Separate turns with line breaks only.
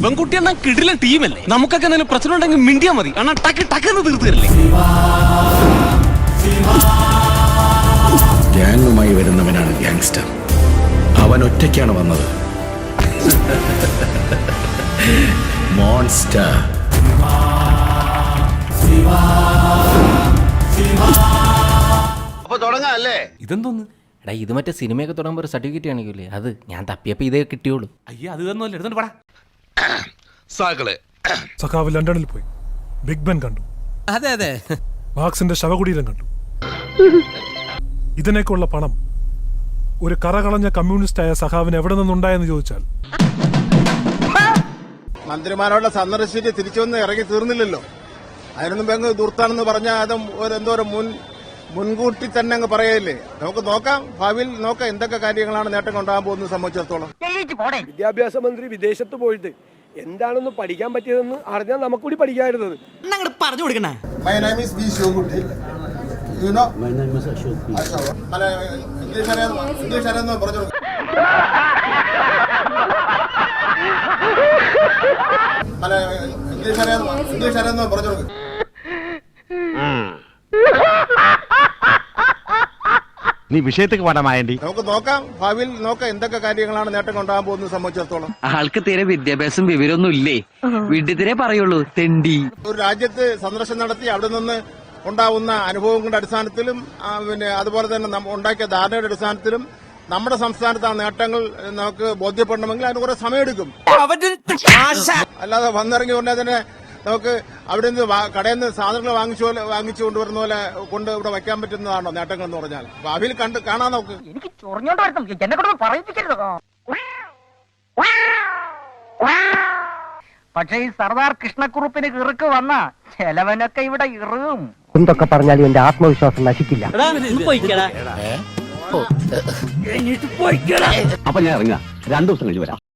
ശിവൻകുട്ടി എന്നാ കിടിലൻ ടീമല്ലേ. നമുക്കൊക്കെ എന്തെങ്കിലും പ്രശ്നം ഉണ്ടെങ്കിൽ മിണ്ടിയാ മതി. അണ്ണാ ടക്ക് ടക്കെന്ന് തീർത്തു തരില്ലേ.
ഗ്യാങ്ങുമായി വരുന്നവനാണ് ഗ്യാങ്സ്റ്റർ. അവൻ ഒറ്റയ്ക്കാണ് വന്നത്. മോൺസ്റ്റർ.
അപ്പൊ തുടങ്ങാല്ലേ?
ഇതെന്തോന്ന്?
എടാ ഇത് മറ്റേ സിനിമയൊക്കെ തുടങ്ങുമ്പോൾ ഒരു സർട്ടിഫിക്കറ്റ് കാണിക്കൂലേ, അത് ഞാൻ തപ്പിയപ്പോൾ ഇതേ കിട്ടിയോളൂ.
അയ്യ അത് തന്നല്ലേ, എടുത്തോണ്ട് പടാ.
സാക്കളെ
സഖാവ് ലണ്ടനിൽ പോയി ബിഗ് ബെൻ കണ്ടു.
അതെ അതെ,
മാർക്സിന്റെ ശവകുടീരം കണ്ടു. ഇതിനേക്കുള്ള പണം ഒരു കറകളഞ്ഞ കമ്മ്യൂണിസ്റ്റായ സഖാവിന് എവിടെ നിന്നുണ്ടായെന്ന് ചോദിച്ചാൽ
മന്ത്രിമാരോടെ സന്ദർശിച്ച് തിരിച്ചു വന്ന് ഇറങ്ങി തീർന്നില്ലല്ലോ. അതിനൊന്നും അങ്ങ് ദൂർത്താണെന്ന് പറഞ്ഞാൽ അതും എന്തോരം മുൻകൂട്ടി തന്നെ അങ്ങ് പറയല്ലേ. നമുക്ക് നോക്കാം, ഭാവിയിൽ നോക്കാം എന്തൊക്കെ കാര്യങ്ങളാണ് നേട്ടം കൊണ്ടുപോകാൻ പോകുന്നത് സംബന്ധിച്ചിടത്തോളം.
വിദ്യാഭ്യാസ മന്ത്രി വിദേശത്ത് പോയിട്ട് എന്താണെന്ന് പഠിക്കാൻ പറ്റിയതെന്ന് അറിഞ്ഞാൽ നമുക്കൂടി പഠിക്കാമായിരുന്നത്.
പറഞ്ഞു കൊടുക്കണേ.
My name is V. Shiogutti. You know? My name is Ashok. English അറിയാമെന്ന് പറഞ്ഞു കൊടുക്കും. ഇംഗ്ലീഷ് അറിയാമെന്ന് പറഞ്ഞു കൊടുക്കും.
നീ വിഷയത്തേക്ക് പാടാമായണ്ടി.
നമുക്ക് നോക്കാം, ഭാവിയിൽ നോക്കാം എന്തൊക്കെ കാര്യങ്ങളാണ് നേട്ടം കൊണ്ടുപോകാൻ പോകുന്നത് സംബന്ധിച്ചിടത്തോളം.
ആൾക്ക് തീരെ വിദ്യാഭ്യാസം വിവരമൊന്നും ഇല്ലേ, വീട്ടിൽ പറയുള്ളൂ തെണ്ടി.
ഒരു രാജ്യത്ത് സന്ദർശനം നടത്തി അവിടെ നിന്ന് ഉണ്ടാവുന്ന അനുഭവങ്ങളുടെ അടിസ്ഥാനത്തിലും പിന്നെ അതുപോലെ തന്നെ ഉണ്ടാക്കിയ ധാരണയുടെ അടിസ്ഥാനത്തിലും നമ്മുടെ സംസ്ഥാനത്ത് ആ നേട്ടങ്ങൾ നമുക്ക് ബോധ്യപ്പെടണമെങ്കിൽ അതിന് കുറെ സമയമെടുക്കും. അല്ലാതെ വന്നിറങ്ങി ഉടനെ തന്നെ നമുക്ക് അവിടെ നിന്ന് കടയിൽ നിന്ന് സാധനങ്ങൾ വാങ്ങിച്ചു കൊണ്ടുവരുന്ന പോലെ കൊണ്ട് ഇവിടെ വയ്ക്കാൻ പറ്റുന്നതാണോ നേട്ടങ്ങൾ എന്ന് പറഞ്ഞാൽ? ഭാവിയിൽ കാണാൻ നോക്ക്.
എനിക്ക് ചൊറിഞ്ഞോണ്ട് എന്നെ കൊണ്ട് പറയിപ്പിക്കരുത്. പക്ഷെ ഈ സർദാർ കൃഷ്ണക്കുറുപ്പിന് കിറുക്ക് വന്ന ചെലവനൊക്കെ ഇവിടെ ഇറും.
എന്തൊക്കെ പറഞ്ഞാലും എന്റെ ആത്മവിശ്വാസം നശിക്കില്ല.
അപ്പൊ ഞാൻ ഇറങ്ങാം, 2 ദിവസം കഴിഞ്ഞ് വരാം.